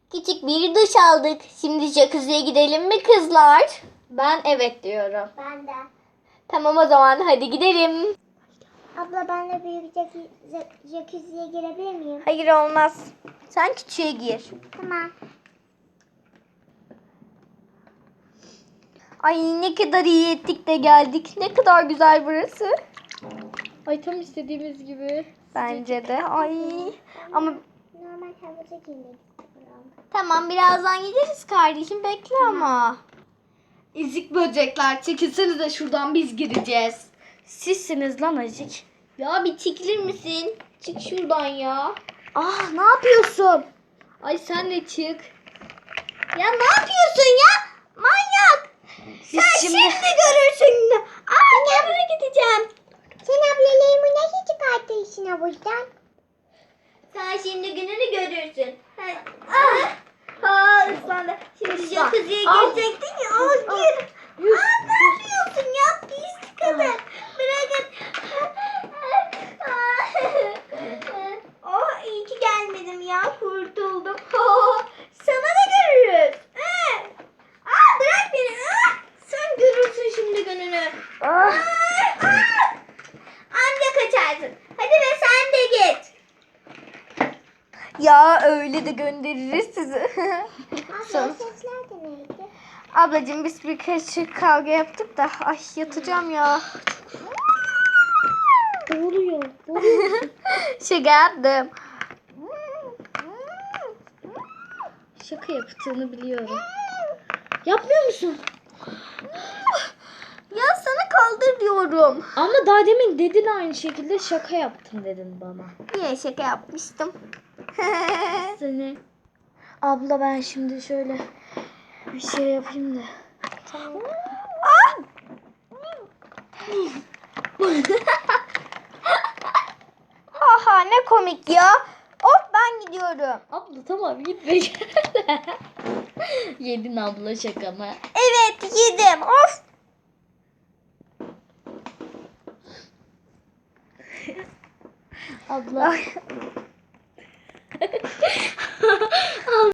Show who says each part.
Speaker 1: Küçük bir duş aldık. Şimdi jacuzziye gidelim mi kızlar?
Speaker 2: Ben evet diyorum.
Speaker 3: Ben de.
Speaker 1: Tamam o zaman hadi gidelim.
Speaker 3: Abla ben de büyük jacuzziye girebilir miyim?
Speaker 1: Hayır olmaz. Sen küçüğe gir.
Speaker 3: Tamam.
Speaker 1: Ay ne kadar iyi ettik de geldik. Ne kadar güzel burası.
Speaker 2: Ay tam istediğimiz gibi.
Speaker 1: Bence de. Ay. Ama
Speaker 3: Normal havuza girmek istiyorum.
Speaker 1: tamam birazdan gideriz kardeşim. Bekle ama.
Speaker 2: İzik böcekler çekilsenize şuradan biz gireceğiz.
Speaker 1: Sizsiniz lan acık.
Speaker 2: Ya bir çekilir misin? Çık şuradan ya.
Speaker 1: Ah ne yapıyorsun?
Speaker 2: Ay sen de çık.
Speaker 1: Ya ne yapıyorsun ya? Manyak.
Speaker 2: Siz
Speaker 1: Sen şimdi görürsün. Aa nereye gideceğim?
Speaker 3: Sen ablalarımı nasıl çıkartırsın havuzdan?
Speaker 1: Sen şimdi gününü görürsün. Ah ıslandı. Şimdi jacuzziye girecektin ya. Al gir. Aa ne yapıyorsun ya? Pislik kadın. Bırakın. Oh iyi ki gelmedim ya. Kurtuldum. Sana da görürüz. Aa bırak beni. Sen görürsün şimdi gününü. Anca kaçarsın. Hadi be sen de git. Ya öyle de göndeririz sizi.
Speaker 3: Abla sesler de neydi?
Speaker 1: Ablacığım biz birkaç kavga yaptık da ay yatacağım ya.
Speaker 2: Doğruyor.
Speaker 1: Şaka yaptım.
Speaker 2: Şaka yaptığını biliyorum. Yapmıyor musun?
Speaker 1: Ya sana kaldır diyorum.
Speaker 2: Ama daha demin dedin aynı şekilde şaka yaptım dedin bana.
Speaker 1: Niye şaka yapmıştım?
Speaker 2: Seni. Abla ben şimdi şöyle bir şey yapayım da.
Speaker 1: Haha ne komik ya. Of ben gidiyorum.
Speaker 2: Abla tamam gitme. Yedin abla şakamı.
Speaker 1: Evet yedim. Of.
Speaker 2: Abla.